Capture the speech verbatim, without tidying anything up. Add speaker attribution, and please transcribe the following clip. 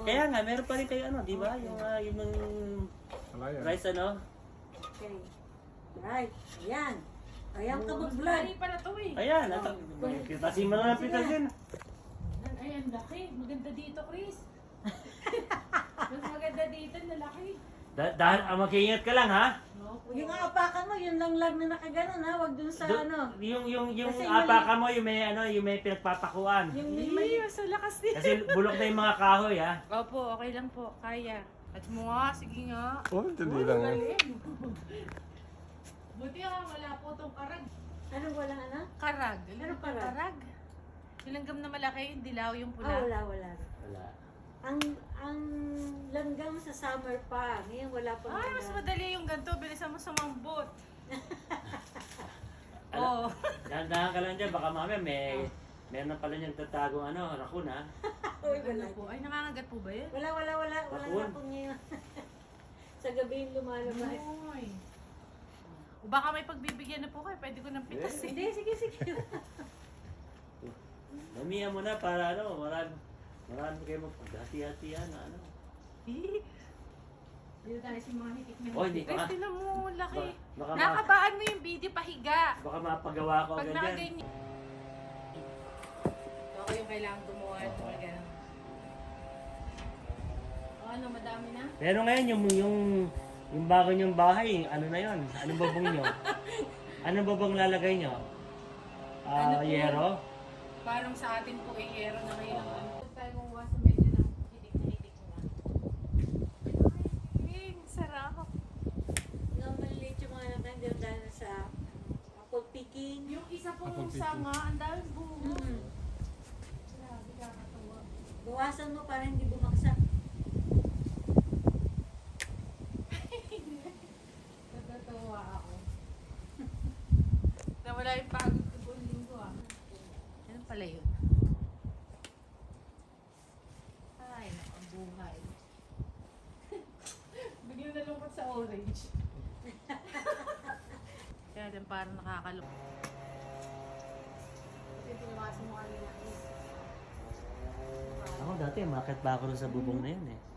Speaker 1: Kaya nga, meron pa rin kayo ano, di ba? Yung, uh, yung, yung
Speaker 2: Wala yan.
Speaker 1: rice ano?
Speaker 3: Okay. Right. Ayan. Ayan ka mag-vlog.
Speaker 4: Ay, para to eh.
Speaker 1: Ayan, ito. Kasi malapit na dyan.
Speaker 4: Ay, ang laki. Maganda dito, Chris. Mas maganda dito, lalaki.
Speaker 1: Da dahil ah, mag-iingat ka lang ha.
Speaker 4: No,
Speaker 3: Yung apakan mo, yun lang lang na nakaganon ha. Huwag dun sa
Speaker 1: Do-
Speaker 3: ano.
Speaker 1: Yung yung yung
Speaker 3: Kasi
Speaker 1: apaka mo, yung may ano, yung may pinagpapakuan.
Speaker 3: Yung may
Speaker 4: Ay,
Speaker 3: mali.
Speaker 4: mas lakas din.
Speaker 1: Kasi bulok na yung mga kahoy ha.
Speaker 4: Opo, okay lang po. Kaya. At mo nga, sige nga.
Speaker 2: Oh, dali lang. eh.
Speaker 4: Galing. Buti nga, wala po tong karag.
Speaker 3: Anong walang ano?
Speaker 4: Karag.
Speaker 3: Ano
Speaker 4: Ano
Speaker 3: karag?
Speaker 4: karag? Yung langgam na malaki, yung dilaw, yung
Speaker 3: Ah,
Speaker 4: pula.
Speaker 3: wala, wala.
Speaker 1: Wala.
Speaker 3: Ang ang langgam sa summer pa. Ngayon wala pa.
Speaker 4: Ay, mas madali yung ganito. Bilisan mo sa mambot.
Speaker 1: Ala-
Speaker 4: Oo.
Speaker 1: Dahan-dahan ka lang dyan, baka mamaya may meron na pala niyang tatagong ano, rakun ha.
Speaker 3: Uy,
Speaker 4: Ano
Speaker 3: wala.
Speaker 4: po? Ay, nangangagat po ba yun?
Speaker 3: Wala, wala, wala. Wala
Speaker 1: Bakun.
Speaker 3: na po ngayon. Sa gabi yung lumalabas.
Speaker 4: Ay. O baka may pagbibigyan na po kayo. Pwede ko ng pitas eh.
Speaker 3: Hindi, sige, sige.
Speaker 1: Mamiya mo na para ano, marami, marami kayo magpaghati-hatihan na ano.
Speaker 4: Eh. Dito tayo sa mga hitik na
Speaker 1: Oh, hindi
Speaker 4: hitik.
Speaker 1: ka.
Speaker 4: Ay, tinan mo, laki.
Speaker 1: Baka, baka, ma-
Speaker 4: Nakabaan mo yung video pahiga.
Speaker 1: baka mapagawa ko
Speaker 4: Pag
Speaker 1: agad yan.
Speaker 4: nakaganyan. Ako yung kailangan gumawa ng mga ganun. O ano, madami na?
Speaker 1: Pero ngayon yung yung yung bago niyong bahay, ano na yon? Anong babong niyo? Anong babong lalagay niyo? Ah,
Speaker 4: Ano po?
Speaker 1: yero?
Speaker 4: Parang sa atin po ay yero na ngayon ang ano. Huwag tayo gumawa sa medyo ng hitik na hitik na. Ay, sarap.
Speaker 3: Yung maliliit yung mga natin, hindi dahil sa apple picking.
Speaker 4: Yung isa
Speaker 2: Apple
Speaker 4: pong
Speaker 2: picking.
Speaker 4: sanga, ang daming bunga.
Speaker 3: Mm.
Speaker 4: Grabe, kakatawa.
Speaker 3: Bawasan mo para hindi bumaksak.
Speaker 4: Natatawa ako. Nawala yung pagod ko buong linggo ah. Ano pala yun? Ay, naku, ang buhay. Biglang nalungkot sa orange. Kaya din parang nakakalungkot. Kasi pinawasa mo kanina is.
Speaker 1: Ako dati, makit ba ako rin sa bubong na yun eh.